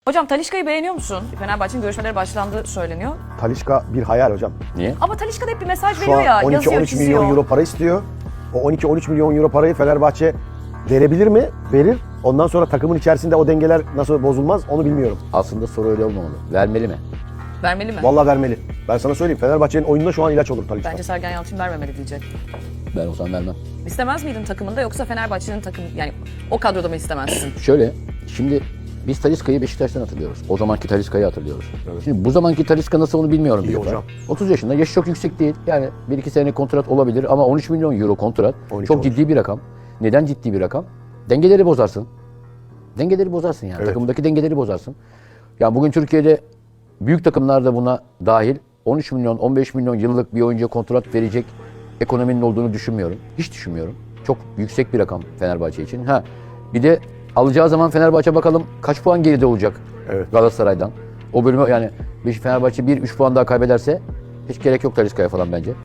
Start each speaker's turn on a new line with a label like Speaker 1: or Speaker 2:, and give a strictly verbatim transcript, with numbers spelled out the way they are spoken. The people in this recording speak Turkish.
Speaker 1: Hocam Talisca'yı beğeniyor musun? Fenerbahçe'nin görüşmeleri başlandı söyleniyor.
Speaker 2: Talisca bir hayal hocam.
Speaker 3: Niye?
Speaker 1: Ama Talisca da hep bir mesaj
Speaker 2: Şu
Speaker 1: veriyor
Speaker 2: an
Speaker 1: ya.
Speaker 2: on iki
Speaker 1: Yazıyor,
Speaker 2: on üç
Speaker 1: çiziyor.
Speaker 2: milyon euro para istiyor. O on iki on üç milyon euro parayı Fenerbahçe verebilir mi? Verir. Ondan sonra takımın içerisinde o dengeler nasıl bozulmaz onu bilmiyorum.
Speaker 3: Aslında soru öyle olmamalı. Vermeli mi?
Speaker 1: Vermeli mi?
Speaker 2: Vallahi vermeli. Ben sana söyleyeyim. Fenerbahçe'nin oyununda şu an ilaç olur Talisca.
Speaker 1: Bence Sergen Yalçın vermemeli diyecek.
Speaker 3: Ben olsam vermem.
Speaker 1: İstemez miydin takımında yoksa Fenerbahçe'nin takım yani o kadroda mı istemezsin?
Speaker 3: Şöyle, şimdi biz Talisca'yı Beşiktaş'tan hatırlıyoruz. O zamanki Talisca'yı hatırlıyoruz. Şimdi bu zamanki Talisca nasıl onu bilmiyorum
Speaker 2: İyi
Speaker 3: diyorlar.
Speaker 2: hocam.
Speaker 3: otuz yaşında, yaşı çok yüksek değil. Yani bir iki sene kontrat olabilir ama on üç milyon euro kontrat
Speaker 2: on iki
Speaker 3: çok
Speaker 2: olur.
Speaker 3: ciddi bir rakam. Neden ciddi bir rakam? Dengeleri bozarsın. Dengeleri bozarsın yani.
Speaker 2: Evet.
Speaker 3: Takımdaki dengeleri bozarsın. Ya bugün Türkiye'de büyük takımlar da buna dahil on üç milyon, on beş milyon yıllık bir oyuncuya kontrat verecek ekonominin olduğunu düşünmüyorum. Hiç düşünmüyorum. Çok yüksek bir rakam Fenerbahçe için. Ha, bir de alacağı zaman Fenerbahçe bakalım kaç puan geride olacak
Speaker 2: Evet.
Speaker 3: Galatasaray'dan. O bölümü yani Fenerbahçe bir üç puan daha kaybederse hiç gerek yok Talisca'ya falan bence.